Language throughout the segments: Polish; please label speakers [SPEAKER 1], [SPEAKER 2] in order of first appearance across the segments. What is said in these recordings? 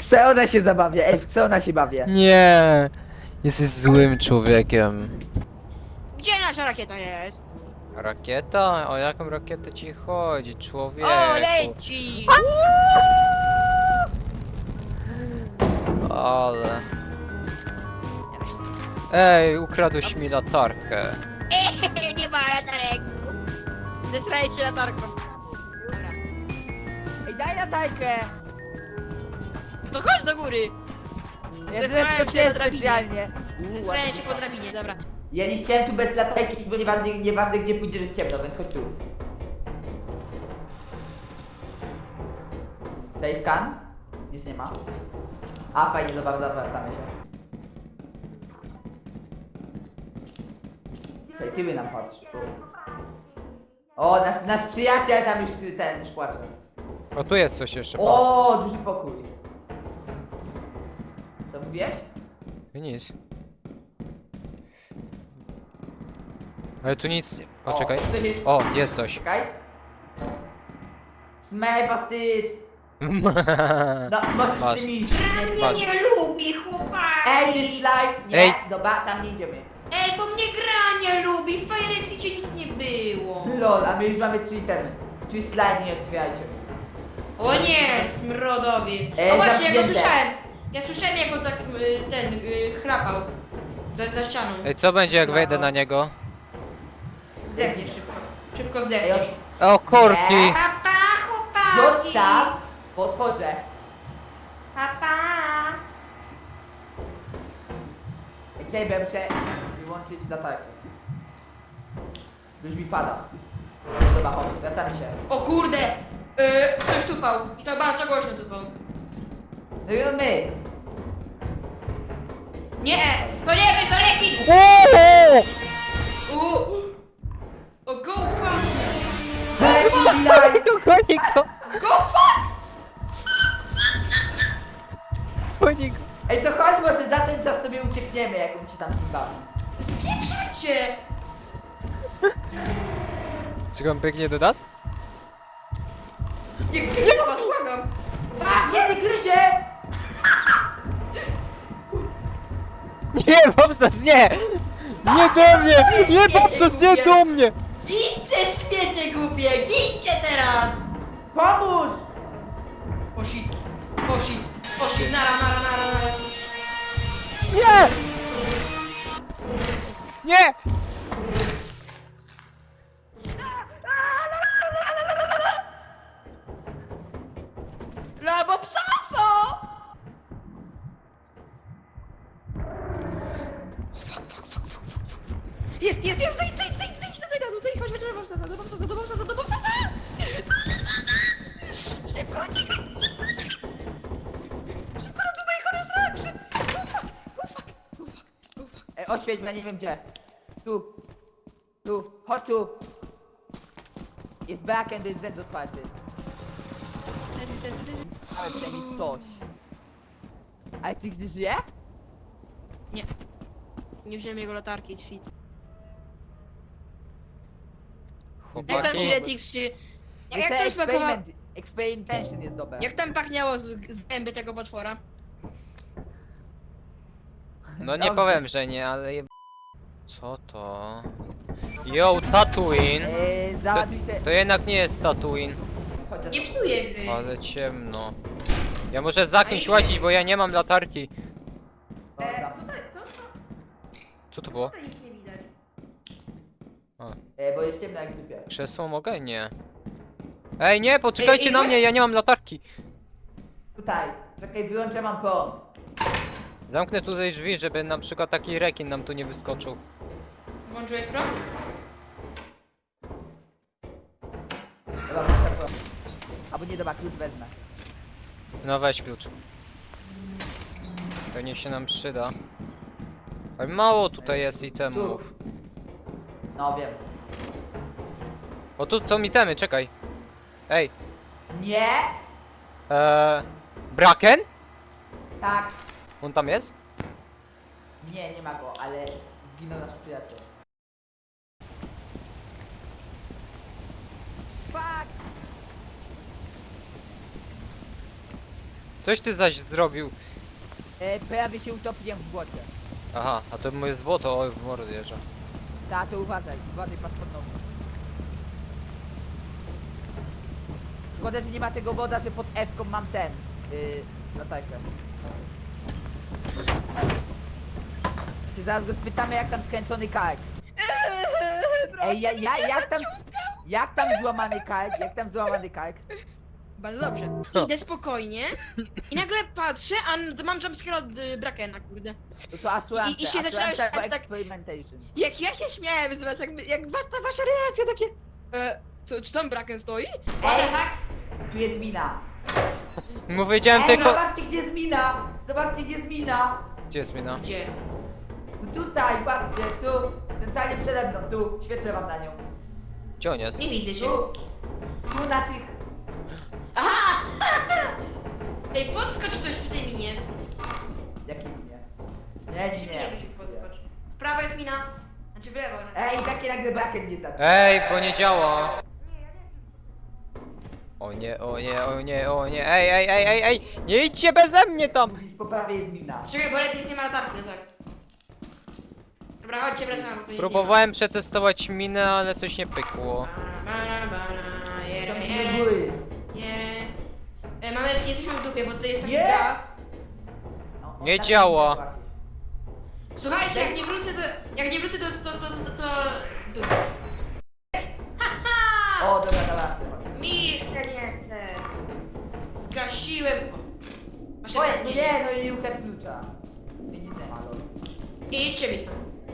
[SPEAKER 1] co ona się zabawia? Ej, w co ona się bawi?
[SPEAKER 2] Nie! Jesteś złym człowiekiem.
[SPEAKER 3] Gdzie nasza rakieta jest?
[SPEAKER 2] Rakieta? O jaką rakietę ci chodzi, człowieku?
[SPEAKER 3] O, leci!
[SPEAKER 2] Ale... Ej, ukradłeś mi latarkę.
[SPEAKER 3] Nie ma latarek! Zesraję cię latarką. Dobra.
[SPEAKER 1] Ej, daj latajkę!
[SPEAKER 3] To chodź do góry!
[SPEAKER 1] Ja
[SPEAKER 3] Zesraję cię na
[SPEAKER 1] zeskoczyłem
[SPEAKER 3] drabinie.
[SPEAKER 1] specjalnie.
[SPEAKER 3] Zesraję cię po drabinie, dobra.
[SPEAKER 1] Ja nie chciałem tu bez latajki, bo nieważne gdzie pójdziesz jest ciemno, więc chodź tu. Daj skan? Nic nie ma. A, fajnie, zawracamy się. Tutaj tyły nam patrz. O, nasz przyjaciel tam już płacze.
[SPEAKER 2] O, tu jest coś jeszcze.
[SPEAKER 1] O, duży pokój. Co mówiłeś?
[SPEAKER 2] Nic. Ale tu nic nie... O, czekaj.
[SPEAKER 1] tutaj jest-
[SPEAKER 2] O, jest coś.
[SPEAKER 1] Czekaj. Smell fastycz. No, możesz
[SPEAKER 2] Masz.
[SPEAKER 1] z tymi iść.
[SPEAKER 2] Masz.
[SPEAKER 4] Nie lubi chłopaki.
[SPEAKER 1] Ej, ty slajd! Nie,
[SPEAKER 2] Ej.
[SPEAKER 1] dobra, tam nie idziemy.
[SPEAKER 4] Ej, bo mnie gra nie lubi. W Fire Exicie nic nie było.
[SPEAKER 1] Lol, a my już mamy 3 itemy. Tu slajd nie otwierajcie.
[SPEAKER 4] O nie, smrodowi.
[SPEAKER 1] Ej,
[SPEAKER 4] O właśnie, ja go
[SPEAKER 1] zamknięte.
[SPEAKER 4] słyszałem. Ja słyszałem jak on tak chrapał. Za ścianą.
[SPEAKER 2] Ej, co będzie jak wejdę na niego?
[SPEAKER 4] Zdechnie szybko. Szybko
[SPEAKER 1] Ej,
[SPEAKER 4] zdechniesz.
[SPEAKER 2] O, korki!
[SPEAKER 1] Nie.
[SPEAKER 4] Papa, chłopaki.
[SPEAKER 1] Zostaw! Bo otworzę.
[SPEAKER 4] Papa.
[SPEAKER 1] Czekaj, bo ja muszę wyłączyć latarkę. Już mi pada. Dobra, chodź, wracamy się.
[SPEAKER 4] O kurde. Ktoś tupał. I to bardzo głośno tupał.
[SPEAKER 1] No i my.
[SPEAKER 4] Nie, to nie wy, to leki. O, go fuck.
[SPEAKER 1] Daj mi slajd!
[SPEAKER 2] Goni go!
[SPEAKER 4] Go fuck.
[SPEAKER 2] Goni go!
[SPEAKER 1] Ej, to chodź, może za ten czas sobie uciekniemy, jak on się tam z tym bawi.
[SPEAKER 4] Spieprzacie.
[SPEAKER 2] Czy on biegnie do nas?
[SPEAKER 4] Nie gdzie was, błagam.
[SPEAKER 1] A, nie gryzie!
[SPEAKER 2] Nie, Bobsas, nie! Nie do mnie! Nie, Bobsas, nie do mnie!
[SPEAKER 4] Gidźcie, śmiecie głupie, gidźcie teraz!
[SPEAKER 1] Pomóż!
[SPEAKER 4] Poszit, poszit, nara.
[SPEAKER 2] Nie! Nie!
[SPEAKER 4] Labo psaso! Jest, zejdź tutaj na dół, zejdź, chodź, do bobsasa! Szybko, uciekaj, szybko do mojego rozrok, go fuck.
[SPEAKER 1] Ej, oświeć mnie, nie wiem gdzie. Tu. Tu, chodź tu. Jest backend, jest węd otwarty. Ale przynajmniej coś. Ale ty gdy żyje?
[SPEAKER 4] Nie wziąłem jego latarki, świt. Jak tam
[SPEAKER 2] Chłopaki,
[SPEAKER 4] Giretix się... Jak
[SPEAKER 1] Wiecie,
[SPEAKER 4] tam smakowało...
[SPEAKER 1] Experimentation jest dobre.
[SPEAKER 4] Jak tam pachniało z zęby tego potwora?
[SPEAKER 2] no nie
[SPEAKER 1] Dobrze.
[SPEAKER 2] powiem, że nie, ale je... Co to? Yo, Tatooine!
[SPEAKER 1] Załatwij się.
[SPEAKER 2] To jednak nie jest Tatooine,
[SPEAKER 1] Chodź za
[SPEAKER 4] Nie
[SPEAKER 1] mną.
[SPEAKER 4] psuję gry.
[SPEAKER 2] ale ciemno. Ja muszę za kimś łazić, bo ja nie mam latarki.
[SPEAKER 1] Chodź za mną.
[SPEAKER 2] Co to było?
[SPEAKER 4] Nic nie widać.
[SPEAKER 1] Bo jest ciemno jak dupie.
[SPEAKER 2] Krzesło mogę? Nie. Ej, nie, poczekajcie
[SPEAKER 4] Ej,
[SPEAKER 2] na mnie, ja nie mam latarki.
[SPEAKER 1] Tutaj. Czekaj, wyłączę, mam prąd.
[SPEAKER 2] Zamknę tutaj drzwi, żeby na przykład taki rekin nam tu nie wyskoczył.
[SPEAKER 4] Włączyłeś prąd?
[SPEAKER 1] Dobra, włączę prąd. Albo nie, dobra, klucz wezmę.
[SPEAKER 2] No weź klucz. Pewnie się nam przyda. Ale mało tutaj jest itemów.
[SPEAKER 1] No wiem.
[SPEAKER 2] O tu to itemy, czekaj. Ej,
[SPEAKER 1] Nie!
[SPEAKER 2] Braken?
[SPEAKER 1] Tak.
[SPEAKER 2] On tam jest?
[SPEAKER 1] Nie, nie ma go, ale zginął nasz przyjaciel. Fuck!
[SPEAKER 2] Coś ty zaś zrobił.
[SPEAKER 1] Prawie się utopiłem w błocie.
[SPEAKER 2] Aha, a to jest błoto, oj w mordę jeżdża.
[SPEAKER 1] Ta, to uważaj, patrz pod nogi. Szkoda, że nie ma tego woda, że pod F-ką mam ten. Latajkę. Czy zaraz go spytamy, jak tam skręcony kark. Ej, jak tam złamany kark? Jak tam złamany kark?
[SPEAKER 3] Bardzo dobrze. Idę spokojnie i nagle patrzę, a mam jumpscare od Brakena, kurde.
[SPEAKER 1] To Assurance,
[SPEAKER 3] I się zaczynałem śmiać tak-
[SPEAKER 1] experimentation.
[SPEAKER 3] Jak ja się śmiałem z was, jak ta wasza reakcja takie... czy tam Braken stoi?
[SPEAKER 4] What the fuck?
[SPEAKER 1] Tu jest mina.
[SPEAKER 2] Mu powiedziałem
[SPEAKER 1] Ej,
[SPEAKER 2] tylko...
[SPEAKER 1] zobaczcie, gdzie jest mina! Zobaczcie, gdzie jest mina!
[SPEAKER 2] Gdzie jest mina?
[SPEAKER 3] Gdzie?
[SPEAKER 1] Tutaj, patrzcie, tu, centralnie przede mną, tu, świecę wam na nią.
[SPEAKER 2] Gdzie on jest?
[SPEAKER 3] Nie widzę cię.
[SPEAKER 1] Tu na tych...
[SPEAKER 3] Aha!
[SPEAKER 4] Ej, podskocz ktoś przy tej minie.
[SPEAKER 1] Jakie minie?
[SPEAKER 4] Nie, musi podskocz. W prawo jest mina. Znaczy w lewo.
[SPEAKER 1] Ej, takie nagle braken nie tak.
[SPEAKER 2] Ej, bo nie działa. O nie, o nie, o nie, o nie, ej, nie idźcie beze mnie tam!
[SPEAKER 1] Po prawej jest mina.
[SPEAKER 4] Czekaj, bo lepiej nie ma latarki.
[SPEAKER 3] No tak. Dobra, chodźcie, wracamy, bo to nie
[SPEAKER 2] Próbowałem przetestować minę, ale coś nie pykło.
[SPEAKER 1] Tam się do góry.
[SPEAKER 3] Jesteśmy w dupie, bo to jest taki
[SPEAKER 1] Nie!
[SPEAKER 3] gaz.
[SPEAKER 1] No,
[SPEAKER 2] Nie
[SPEAKER 1] tak
[SPEAKER 2] działa.
[SPEAKER 1] jest.
[SPEAKER 4] Słuchajcie, jak nie wrócę to... Dupę.
[SPEAKER 1] O, dobra, dobra.
[SPEAKER 4] Mister jestem.
[SPEAKER 3] Zgasiłem. Masz
[SPEAKER 1] Oj,
[SPEAKER 3] rację.
[SPEAKER 1] nie, no i ukradł klucza. Nie, nie, lol.
[SPEAKER 3] I idźcie mi stąd.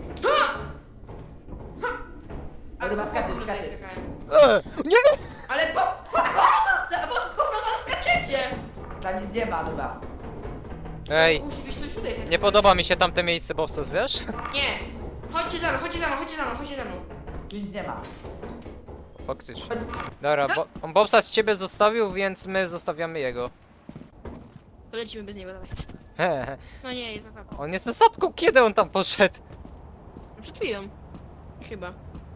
[SPEAKER 1] O, dobra, skaczesz,
[SPEAKER 3] tutaj
[SPEAKER 1] skaczesz.
[SPEAKER 3] skakałem.
[SPEAKER 2] Nie!
[SPEAKER 3] Ale bo skaczecie!
[SPEAKER 1] Tam nic nie ma, dobra.
[SPEAKER 2] Ej,
[SPEAKER 3] Musi być coś tutaj.
[SPEAKER 2] nie podoba mi się tamte miejsce, Bobsas, wiesz?
[SPEAKER 3] Nie! Chodźcie za mną, chodźcie za mną, chodźcie za mną, chodźcie za mną.
[SPEAKER 1] Tu nic nie ma.
[SPEAKER 2] Faktycznie. Dobra, on Bobsas ciebie zostawił, więc my zostawiamy jego.
[SPEAKER 3] Polecimy bez niego, dawaj.
[SPEAKER 2] Hehe.
[SPEAKER 3] No nie, jest naprawdę.
[SPEAKER 2] On jest na statku, kiedy on tam poszedł?
[SPEAKER 3] Przed chwilą. Chyba.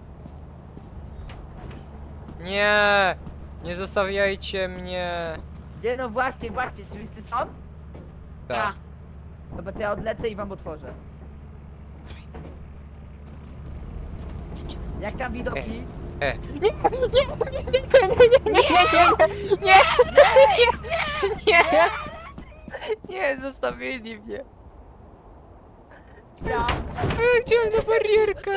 [SPEAKER 2] Nie! Nie zostawiajcie mnie!
[SPEAKER 1] Nie, no właśnie, czy wszyscy są?
[SPEAKER 2] Tak.
[SPEAKER 1] Dobra, to ja odlecę i wam otworzę. Jak tam widoki?
[SPEAKER 2] Nie, nie, zostawili mnie.
[SPEAKER 1] Ja.
[SPEAKER 2] Ja chciałem na barierkę.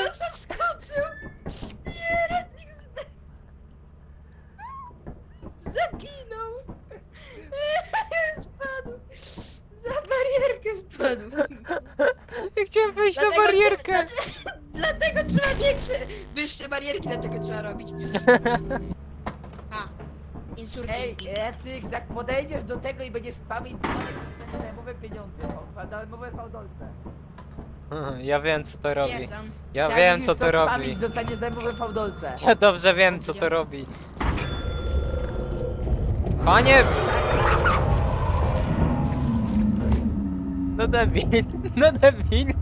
[SPEAKER 3] Zaginął! Spadł! Za barierkę spadł!
[SPEAKER 2] Ja chciałem wejść na
[SPEAKER 3] Dlatego
[SPEAKER 2] barierkę.
[SPEAKER 3] Dlatego trzeba wyższe barierki, dlatego trzeba robić. A,
[SPEAKER 1] Ej,
[SPEAKER 3] insurgenci.
[SPEAKER 1] Estyk, jak podejdziesz do tego i będziesz spamić darmowe pieniądze, darmowe fałdolce.
[SPEAKER 2] Ja wiem co to robi.
[SPEAKER 3] Stwierdzam.
[SPEAKER 2] Ja
[SPEAKER 1] Jak
[SPEAKER 2] wiem
[SPEAKER 1] już
[SPEAKER 2] co to robi.
[SPEAKER 1] spamić, dostaniesz darmowe fałdolce.
[SPEAKER 2] Ja dobrze wiem co to robi. Panie! No debil, no debil.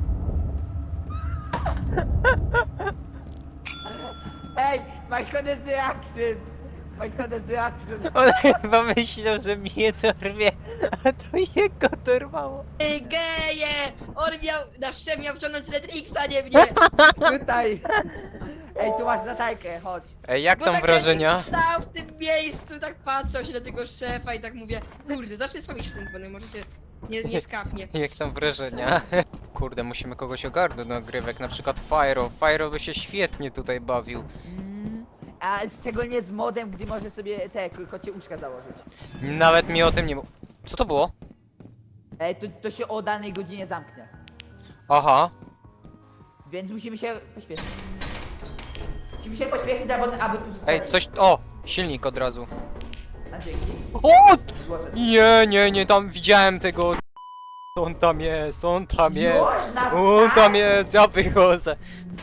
[SPEAKER 1] Ej, my honest reaction! My honest reaction!
[SPEAKER 2] On chyba myślał, że mnie dorwie, a to jego dorwało.
[SPEAKER 3] Ej, geje! On miał wciągnąć Redrixa, nie mnie!
[SPEAKER 1] Tutaj! Ej, tu masz latajkę, chodź.
[SPEAKER 2] Ej, jak
[SPEAKER 3] Bo
[SPEAKER 2] tam
[SPEAKER 3] tak
[SPEAKER 2] wrażenia?
[SPEAKER 3] jak stał w tym miejscu, tak patrzał się na tego szefa i tak mówię, kurde, zacznę spamić w ten dzwonek, może się nie skapnie.
[SPEAKER 2] Jak tam wrażenia? Kurde, musimy kogoś ogarnąć do nagrywek, na przykład Fyro. Fyro by się świetnie tutaj bawił.
[SPEAKER 1] A szczególnie z modem, gdy może sobie te kocie uszka założyć.
[SPEAKER 2] Nawet mi o tym nie... Co to było?
[SPEAKER 1] Ej, to się o danej godzinie zamknie.
[SPEAKER 2] Aha.
[SPEAKER 1] Więc musimy się pośpieszyć. Musimy się pośpieszyć, aby tu zostać.
[SPEAKER 2] Ej, coś... O! Silnik od razu.
[SPEAKER 1] A dzięki.
[SPEAKER 2] O!
[SPEAKER 1] Złożę.
[SPEAKER 2] Nie, tam widziałem tego... On tam jest, on tam jest.
[SPEAKER 1] Już na
[SPEAKER 2] On
[SPEAKER 1] start?
[SPEAKER 2] tam jest, ja wychodzę.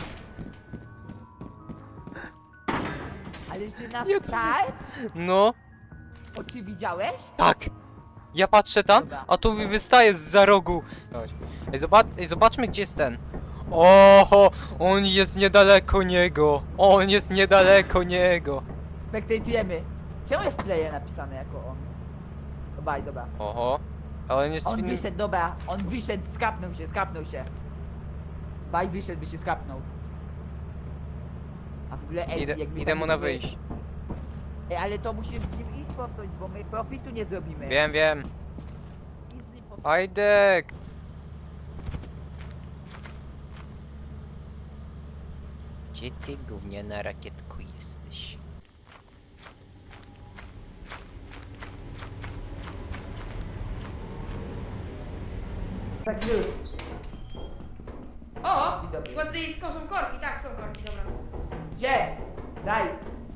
[SPEAKER 1] Ale czy na
[SPEAKER 2] Nie, to-
[SPEAKER 1] start?
[SPEAKER 2] No,
[SPEAKER 1] Oczy widziałeś?
[SPEAKER 2] tak. Ja patrzę tam,
[SPEAKER 1] Dobra.
[SPEAKER 2] a tu mi wystaje za rogu. Chodź. Ej, zobaczmy gdzie jest ten. Oho, on jest niedaleko niego. On jest niedaleko niego.
[SPEAKER 1] Spektatujemy. Czemu jest player napisane jako on? baj, dobra.
[SPEAKER 2] Oho. Ale on jest
[SPEAKER 1] On
[SPEAKER 2] w innym...
[SPEAKER 1] wyszedł, dobra, on wyszedł, skapnął się. Baj wyszedł, by się skapnął. A w ogóle, ej,
[SPEAKER 2] Idę,
[SPEAKER 1] jak my
[SPEAKER 2] idę
[SPEAKER 1] tam
[SPEAKER 2] mu na
[SPEAKER 1] będziemy-
[SPEAKER 2] wyjść.
[SPEAKER 1] Ej, ale to musimy z nim iść po coś, bo my profitu nie zrobimy.
[SPEAKER 2] Wiem, wiem.
[SPEAKER 1] Idź z nim po coś.
[SPEAKER 2] Ajdek! Gdzie ty gówniana rakietko jesteś?
[SPEAKER 1] Tak już.
[SPEAKER 4] O!
[SPEAKER 1] Dzień dobry.
[SPEAKER 4] Chyba tutaj są korki, tak, są korki, dobra.
[SPEAKER 1] Gdzie? Daj.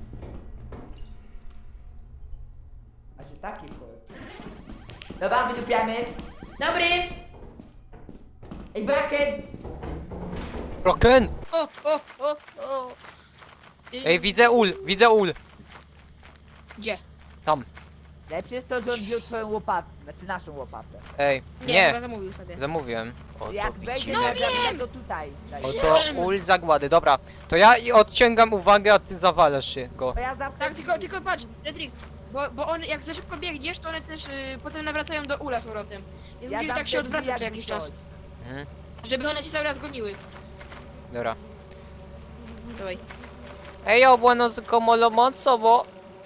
[SPEAKER 1] A że taki kol. Dobra, wydupiamy.
[SPEAKER 4] Dobry!
[SPEAKER 1] Ej, Braken!
[SPEAKER 2] Roken!
[SPEAKER 3] O!
[SPEAKER 2] Ej, widzę ul!
[SPEAKER 3] Gdzie?
[SPEAKER 2] Tam.
[SPEAKER 1] Lepsze jest to, że on wziął twoją łopatę, znaczy naszą łopatę.
[SPEAKER 2] Ej,
[SPEAKER 3] Chyba
[SPEAKER 2] nie!
[SPEAKER 3] zamówił sobie.
[SPEAKER 2] Zamówiłem. Oto
[SPEAKER 1] Jak wejdzie
[SPEAKER 2] widzimy.
[SPEAKER 1] na drabinę, to tutaj. Daj.
[SPEAKER 2] Oto ul zagłady. Dobra, to ja i odciągam uwagę, a ty zawalasz się go.
[SPEAKER 1] To ja zawsze...
[SPEAKER 3] Tak, tylko patrz, Redrix, bo on jak za szybko biegniesz, to one też potem nawracają do ula z powrotem. Więc musisz
[SPEAKER 1] dam
[SPEAKER 3] tak się
[SPEAKER 1] ten
[SPEAKER 3] odwracać
[SPEAKER 1] jak
[SPEAKER 3] co jakiś
[SPEAKER 1] coś.
[SPEAKER 3] czas.
[SPEAKER 2] Mhm.
[SPEAKER 3] Żeby one cię cały raz goniły.
[SPEAKER 2] Dobra.
[SPEAKER 3] Dawaj.
[SPEAKER 2] Ej, bueno, como lo mozo, bo...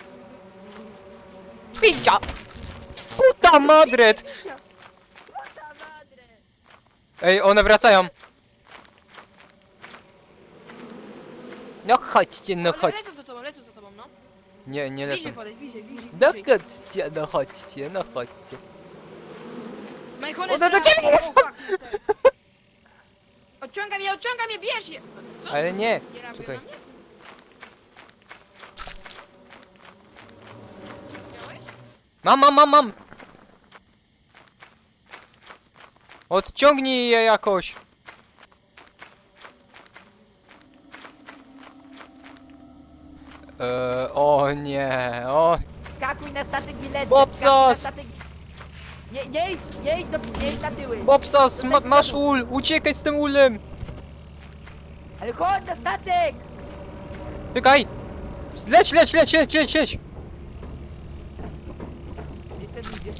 [SPEAKER 2] Picia! Puta madret! Ej, one wracają. No chodźcie, no
[SPEAKER 3] One
[SPEAKER 2] chodź.
[SPEAKER 3] lecą za tobą, no.
[SPEAKER 2] Nie, nie
[SPEAKER 3] Bliżej
[SPEAKER 2] lecą.
[SPEAKER 3] podejdź, bliżej.
[SPEAKER 2] No chodźcie, no chodźcie, no chodźcie.
[SPEAKER 3] Mike, one
[SPEAKER 2] One do
[SPEAKER 3] strzelają.
[SPEAKER 2] ciebie lecą!
[SPEAKER 3] O, fuck. Odciągam je, bierz je! Co?
[SPEAKER 2] Ale nie,
[SPEAKER 3] Nie reagują
[SPEAKER 2] czekaj.
[SPEAKER 3] na mnie? Widziałeś?
[SPEAKER 2] Mam! Odciągnij je jakoś. O nie, o...
[SPEAKER 1] Skakuj na statek bilet.
[SPEAKER 2] Bobsas!
[SPEAKER 1] Nie idź na tyły.
[SPEAKER 2] Bobsas, masz ul, uciekaj z tym ulem.
[SPEAKER 1] Ale chodź na statek!
[SPEAKER 2] Czekaj. Leć!
[SPEAKER 1] Gdzie ten idzie?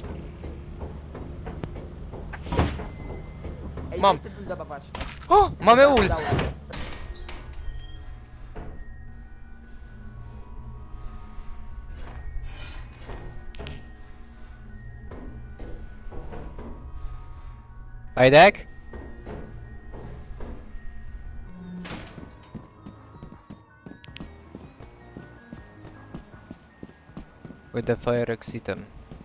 [SPEAKER 1] Ej,
[SPEAKER 2] Mam.
[SPEAKER 1] weź ten ul zabawać.
[SPEAKER 2] O, mamy ul.
[SPEAKER 1] Udało.
[SPEAKER 2] Ajdek? With the fire exitem.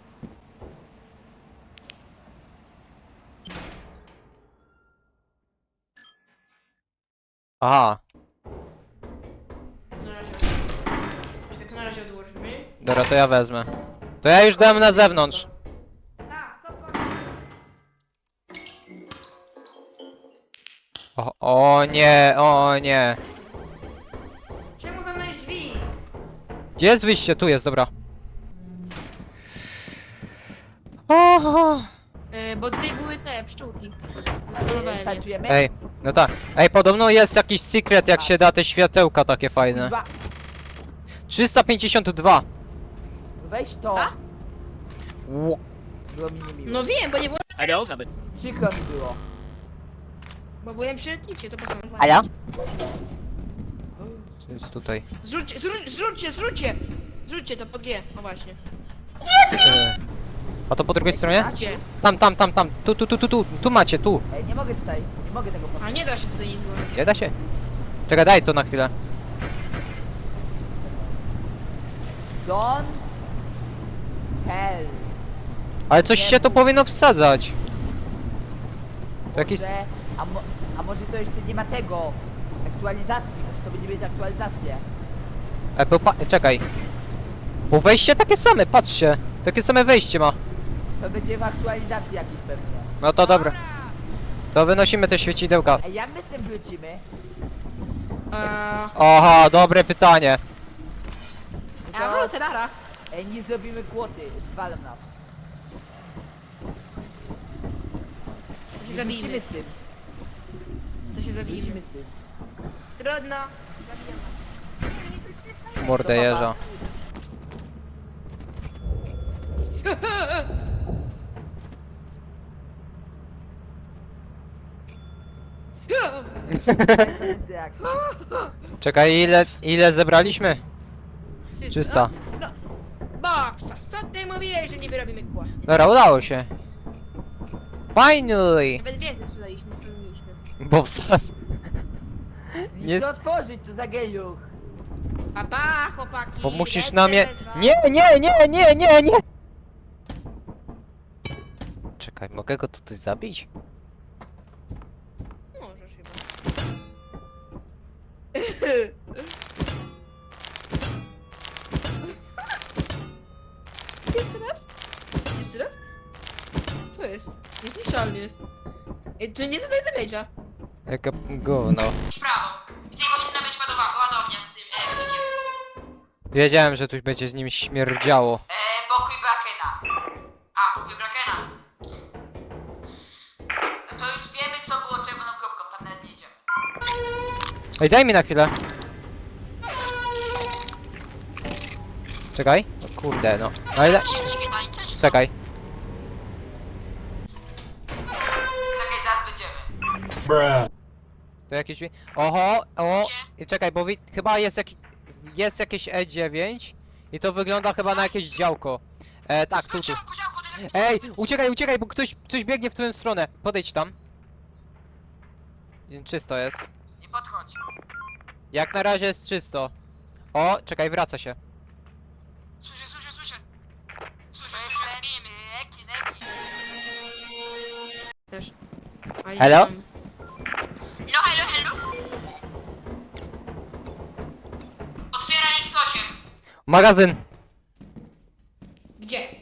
[SPEAKER 2] Aha,
[SPEAKER 3] Na razie. Czekaj, to na razie odłożymy.
[SPEAKER 2] dobra, to ja wezmę. To ja już dam na zewnątrz.
[SPEAKER 4] Tak, to
[SPEAKER 2] O nie, o nie.
[SPEAKER 4] Czemu zamknąłeś drzwi?
[SPEAKER 2] Gdzie jest wyjście? Tu jest, dobra. Oho.
[SPEAKER 3] Bo tutaj były te pszczółki. Zastanowałem się.
[SPEAKER 1] Startujemy?
[SPEAKER 2] Ej, no tak. Ej, podobno jest jakiś secret, jak się da te światełka takie fajne.
[SPEAKER 1] Dwa.
[SPEAKER 2] 352.
[SPEAKER 1] Weź to.
[SPEAKER 3] A?
[SPEAKER 2] Ło-
[SPEAKER 1] Było mi niemiło.
[SPEAKER 3] No wiem, bo nie było...
[SPEAKER 1] Przykro mi było.
[SPEAKER 3] Bo byłem przy letnicie, to po co?
[SPEAKER 1] Alo?
[SPEAKER 2] Co jest tutaj?
[SPEAKER 3] Zrzućcie to pod G, o właśnie.
[SPEAKER 2] E, A to po drugiej stronie?
[SPEAKER 3] Gdzie?
[SPEAKER 2] Tam. Tu macie, tu.
[SPEAKER 1] Ej, nie mogę tutaj. Nie mogę tego
[SPEAKER 3] A
[SPEAKER 1] powiedzieć.
[SPEAKER 3] nie da się tutaj nic złożyć.
[SPEAKER 2] Nie da się? Czekaj, daj to na chwilę.
[SPEAKER 1] Don. Hell.
[SPEAKER 2] Ale coś się tu powinno wsadzać. To jakiś...
[SPEAKER 1] Może, a może to jeszcze nie ma tego. Aktualizacji. Może to będzie mieć aktualizację.
[SPEAKER 2] Czekaj. Bo wejście takie same, patrzcie. Takie same wejście ma.
[SPEAKER 1] To będzie w aktualizacji jakiejś pewnie.
[SPEAKER 2] No to dobra. To wynosimy te świecidełka.
[SPEAKER 1] Ej, jak my z tym wrócimy?
[SPEAKER 2] Aha, dobre pytanie.
[SPEAKER 1] No
[SPEAKER 3] A
[SPEAKER 1] to-
[SPEAKER 3] wrócę, nara.
[SPEAKER 1] Ej, nie zrobimy kłoty. Walą nas.
[SPEAKER 3] To się
[SPEAKER 1] Nie
[SPEAKER 3] zabijmy.
[SPEAKER 1] wrócimy z tym.
[SPEAKER 3] To się zabijmy.
[SPEAKER 1] Wrócimy z tym.
[SPEAKER 4] Trudno.
[SPEAKER 2] Mordę jeża.
[SPEAKER 1] Jak?
[SPEAKER 2] Czekaj, ile zebraliśmy? 300.
[SPEAKER 3] No, Boksa, co ty mówiłeś, że nie wyrobimy kłody?
[SPEAKER 2] Dobra, udało się. Finally!
[SPEAKER 4] Nawet więcej sprzedaliśmy,
[SPEAKER 2] Bobsas.
[SPEAKER 1] Nic
[SPEAKER 2] Nie
[SPEAKER 1] to
[SPEAKER 2] s-
[SPEAKER 1] otworzyć, to za geluch.
[SPEAKER 3] Pa, chłopaki.
[SPEAKER 2] Bo musisz
[SPEAKER 3] lecę
[SPEAKER 2] na mnie...
[SPEAKER 3] bez was.
[SPEAKER 2] Nie! Czekaj, mogę go tutaj zabić?
[SPEAKER 3] Możesz chyba. Jeszcze raz? Jeszcze raz? Co jest? Niezniszczalny jest. Ej, to nie zadaje damage'a.
[SPEAKER 2] Jaka gówno.
[SPEAKER 4] w prawo. I tutaj powinna być ładownia z tym
[SPEAKER 2] Wiedziałem, że tu będzie z nim śmierdziało.
[SPEAKER 4] pokój Brakena. A, pokój Brakena. To już wiemy, co było czerwoną kropką, tam nawet nie idziemy.
[SPEAKER 2] Ej, daj mi na chwilę. Czekaj. O kurde, no. Na ile? Czekaj.
[SPEAKER 4] Czekaj, zaraz będziemy.
[SPEAKER 2] To jakieś... Oho, o! I czekaj, bo chyba jest jakieś E9 i to wygląda chyba na jakieś działko. Tak, tu. Ej, uciekaj, bo ktoś biegnie w twoją stronę. Podejdź tam. Czysto jest.
[SPEAKER 4] Nie podchodź.
[SPEAKER 2] Jak na razie jest czysto. O, czekaj, wraca się.
[SPEAKER 4] Słyszę. Słyszę, neki.
[SPEAKER 3] Też.
[SPEAKER 2] Hello?
[SPEAKER 4] No, hello. Otwieraj X8.
[SPEAKER 2] Magazyn!
[SPEAKER 4] Gdzie?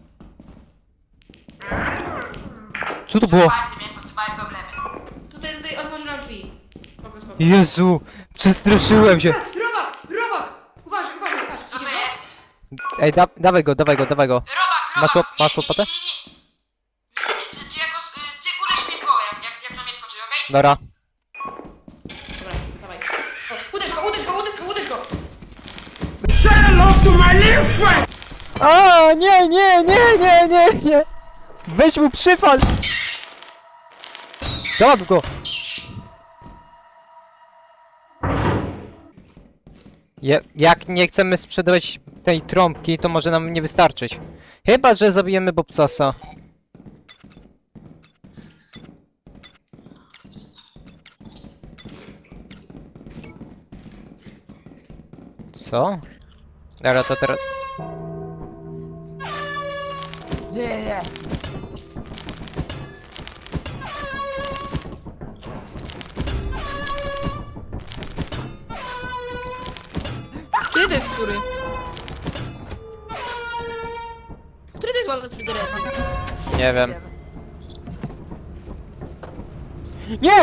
[SPEAKER 2] Co to było?
[SPEAKER 4] Palcy miałem małe problemy. Tutaj otworzy nam drzwi. Spoko.
[SPEAKER 2] Jezu! Przestraszyłem się!
[SPEAKER 3] Robak! Uważaj, patrz.
[SPEAKER 4] Co to
[SPEAKER 3] Idziesz
[SPEAKER 4] jest?
[SPEAKER 2] Ej, dawaj go.
[SPEAKER 4] Robak!
[SPEAKER 2] Masz łopatę?
[SPEAKER 4] Nie. Ty uderz mnie w głowę, jak na mnie skoczy, okej?
[SPEAKER 2] Dobra.
[SPEAKER 3] Dobra, dawaj. O, uderz go!
[SPEAKER 2] O, nie! Weź mu przyfal! Załap go! Jak nie chcemy sprzedawać tej trąbki, to może nam nie wystarczyć. Chyba że zabijemy Bobsasa. Co? Dobra, to teraz...
[SPEAKER 1] Nie.
[SPEAKER 3] Który to jest który? Który to jest One Two Three?
[SPEAKER 2] Nie wiem. Nie!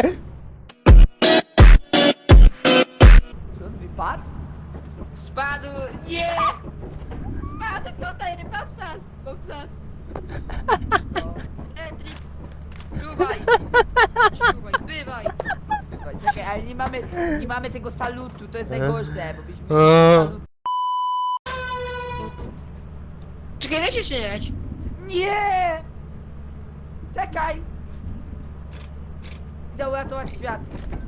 [SPEAKER 1] Czy on wypadł?
[SPEAKER 3] Spadł! Nie! Spadł tutaj, Bobsas! Etrix! Bywaj!
[SPEAKER 1] Słuchaj, czekaj, ale nie mamy tego salutu, to jest najgorsze, bo byśmy
[SPEAKER 2] Eee.
[SPEAKER 1] salut...
[SPEAKER 3] Czekaj, weź jeszcze leć.
[SPEAKER 1] Nie! Czekaj! Idę uratować świat.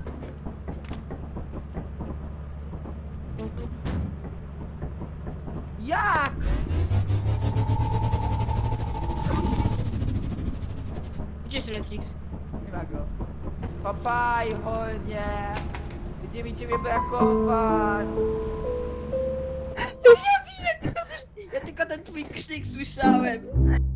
[SPEAKER 1] Jak?
[SPEAKER 3] Gdzie jest Etrix?
[SPEAKER 1] Nie ma go. Papaj, chodnie. Będzie mi ciebie brakować.
[SPEAKER 3] Ja tylko ten twój krzyk słyszałem.